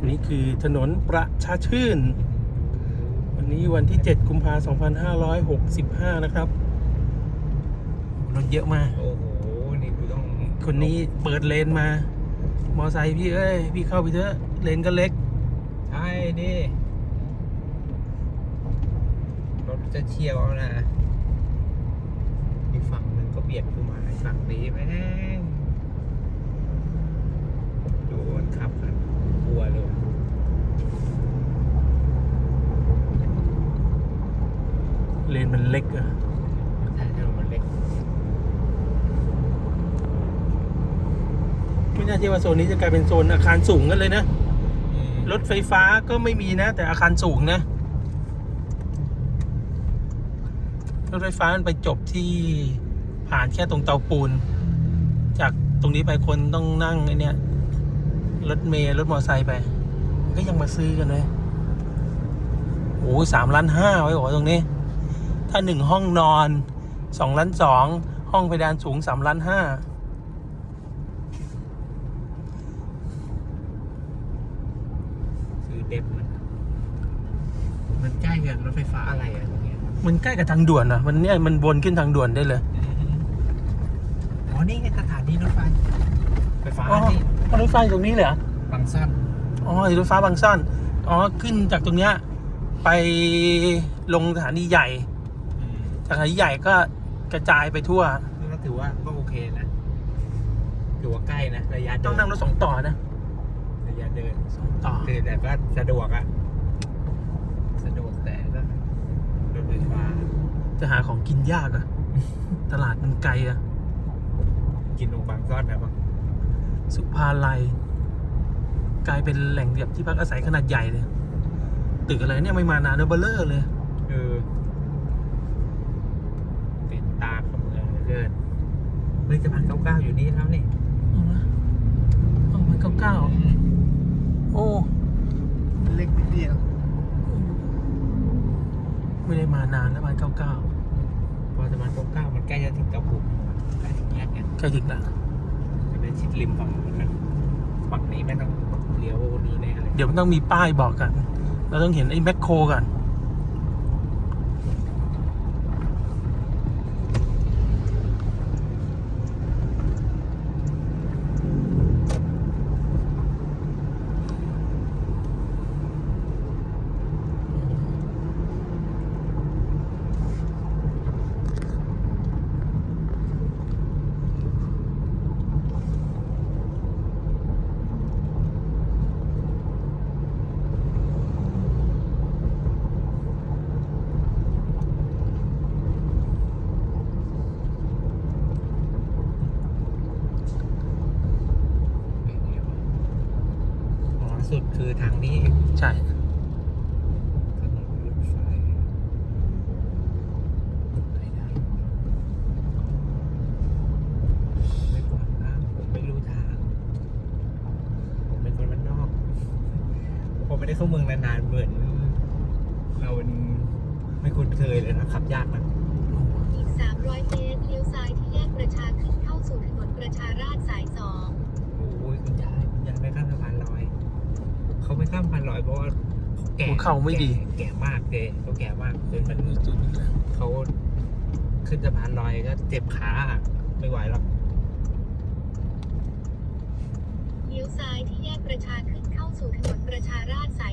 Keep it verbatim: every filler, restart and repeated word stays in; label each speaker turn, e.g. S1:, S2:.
S1: นี่คือถนนประชาชื่นวันนี้วันที่เจ็ดกุมภาพันธ์สองพันห้าร้อยหกสิบห้านะครับรถเยอะมาก
S2: โอ้โหนี่กูต้อง
S1: คนนี้เปิดเลนมามอไซค์พี่เอ้ยพี่เข้าไปเถอะเลนก็เล็ก
S2: ใช่ดิรถจะเชี่ยวเอานะอีกฝั่งหนึ่งก็เบียดกูมาอีกฝั่งนี้แม่งดูมันขับกันกลัวเลย
S1: เลนมันเล็กอะ
S2: ใช่ถนนมันเล็ก
S1: ไม่น่าเชื่อว่าโซนนี้จะกลายเป็นโซนอาคารสูงกันเลยนะรถไฟฟ้าก็ไม่มีนะแต่อาคารสูงนะรถไฟฟ้ามันไปจบที่ผ่านแค่ตรงเตาปูนจากตรงนี้ไปคนต้องนั่งไอ้นี่รถเมล์รถมอเตอร์ไซค์ไปมันก็ยังมาซื้อกันเลยโอ้ยสามล้านห้าไว้บอกตรงนี้ถ้าหนึ่งห้องนอนสองล้านสองห้องเพดานสูงสามล้านห้า
S2: ซื้อเด็บมันมันใกล้กับรถไฟฟ้าอะไรอะตรงเนี้ย
S1: มันใกล้กับทางด่วนอะมันเนี่ยมันวนขึ้นทางด่วนได้เลย
S2: อ๋อนี่ไงสถานีรถไฟไฟฟ้าที่
S1: รถไฟตรงนี้เลยเหร
S2: อบางซ่อน
S1: อ๋อรถไฟบางซ่อนอ๋อขึ้นจากตรงเนี้ยไปลงสถานีใหญ่สถานีใหญ่ก็กระจายไปทั่ว
S2: ก็ถือว่าก็โอเคนะถือว่าใกล้นะระยะเดิน
S1: ต้องนั่งรถสองต่อนะ
S2: ระยะเดิน
S1: สองต่อ
S2: คือแต่ก็สะดวกอะสะดวกแต่ก็รถไฟฟ้า
S1: จะหาของกินยากอะตลาดมันไกลอะ
S2: กินลงบางซ่อนแบบว่า
S1: สุภาลัยกลายเป็นแหล่งแบบที่พักอาศัยขนาดใหญ่เลยตึกอะไรเนี่ยไม่มานานเนอะเบลเลอร์เลย
S2: เออเป็นตาของเมืองเกินเฮ้ยสะพานเก้าเก้าอยู่นี่แล้วนี่
S1: อ๋อมันเก้าเก้าโอ้
S2: เล็กนิดเดียว
S1: ไม่ได้มานานแล้วมันเก้าเก้า
S2: พอสะพานเก้าเก้ามันใกล้จะถึงเก้าปุ่มใกล้ถึงแยกเนี่ย
S1: ใกล้ถึงละ
S2: จะเป็นชิดริมฝั่งนู้นนะฝั่งนี้ไม่ต้องเลี้ยวนี้แน่เลย
S1: เดี๋ยวมันต้องมีป้ายบอกกันเราต้องเห็นไอ้แมคโครกัน
S2: สุดคือทางนี้
S1: ใช่
S2: ถนนรถไฟไปได้ไม่ก่อนนะผมไม่รู้ทางผมเป็นคนบ้านนอกผมไม่ได้เข้าเมืองนานๆเหมือนเราเป็นไม่คุ้นเคยเลยนะขับยากนะ
S3: อีกสามร้อยเมตรเลี้ยวซ้ายที่แยกประชาขึ้นเข้าสู่ถนนประชาราษฎร์สายสอง
S2: โอ้ยคุณยายคุณยายไม่ข้ามสะพานลอยเขาไม่ข้ามสะพานลอยเพราะว่าแก่
S1: เข่าไม่ดี
S2: แก่มากเลยเขาแก่มากจนมันเขาขึ้นสะพานลอยก็เจ็บขาไม่ไหวหรอก
S3: เลี้ยวซ้ายที่แยกประชาขึ้นเข้าสู่ถนนประชาราษฎร์สาย